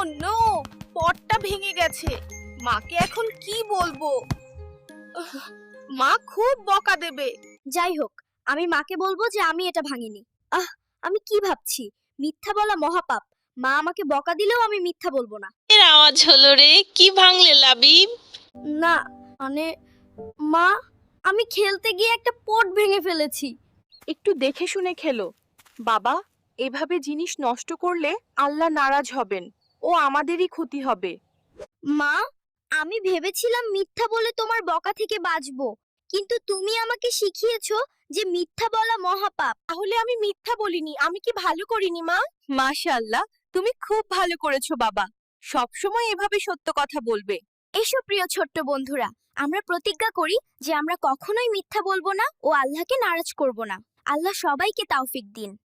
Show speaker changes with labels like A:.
A: No, পটটা ভেঙে গেছে। মাকে এখন কি বলবো? উহ, মা খুব বকা দেবে।
B: যাই হোক, আমি মাকে বলবো যে আমি এটা ভাঙিনি। আমি কি ভাবছি, মিথ্যা বলা মহাপাপ। মা আমাকে বকা দিলেও আমি মিথ্যা বলবো না।
C: এর আওয়াজ হলো রে, কি ভাঙলে লাবিব?
B: না, মানে মা, আমি খেলতে গিয়ে একটা পট ভেঙে ফেলেছি।
A: একটু দেখে শুনে খেলো বাবা। এভাবে জিনিস নষ্ট করলে আল্লাহ নারাজ হবেন, ও আমাদেরই ক্ষতি হবে।
B: মা, আমি ভেবেছিলাম মিথ্যা বলে তোমার বকা থেকে বাঁচবো, কিন্তু তুমি আমাকে শিখিয়েছো যে মিথ্যা বলা মহাপাপ।
A: তাহলে আমি মিথ্যা বলিনি, আমি কি ভালো করিনি মা? মাশাআল্লাহ, তুমি খুব ভালো করেছো বাবা। সব সময় এভাবে সত্য কথা বলবে।
B: এসো প্রিয় ছোট্ট বন্ধুরা, আমরা প্রতিজ্ঞা করি যে আমরা কখনোই মিথ্যা বলবো না ও আল্লাহকে নারাজ করব না। আল্লাহ সবাইকে তাওফিক দিন।